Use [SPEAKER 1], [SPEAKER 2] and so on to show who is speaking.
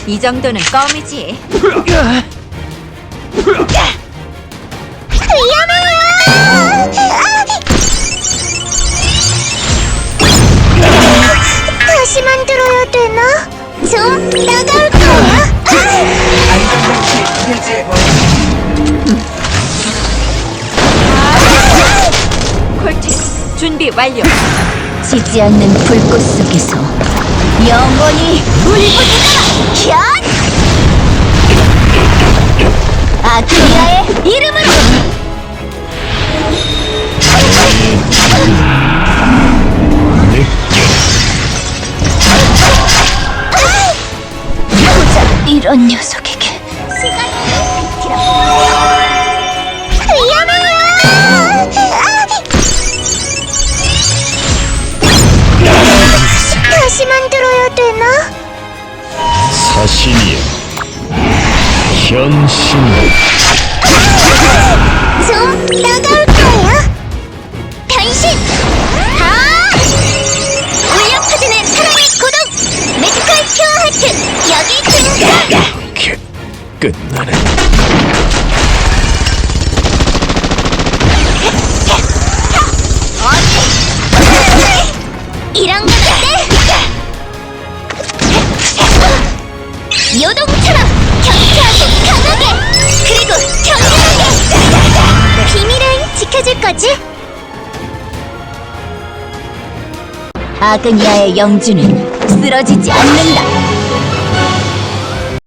[SPEAKER 1] 이 정도는 껌이지.
[SPEAKER 2] 다시 만들어야 되나? 좀 나갈 거야.
[SPEAKER 3] 안전장치 해제.
[SPEAKER 1] 콜트, 준비 완료.
[SPEAKER 2] 지지 않는 불꽃 속에서 영원히 울부짖어라! 현! 아크리아의 이름으로! 고작 이런 녀석에게 다시 만들어야 되나?
[SPEAKER 4] 사신이여, 현신.
[SPEAKER 2] 좀 나갈 거야. 변신! 울려 퍼지는 사랑의 고동! 매지컬 큐어 하트! 여기 등장!
[SPEAKER 4] 끝나네.
[SPEAKER 2] 이런 거 같아! 요동처럼 경쾌하고 강하게! 그리고 정교하게! 비밀을 지켜줄 거지? 아그니아의 영주는 쓰러지지 않는다!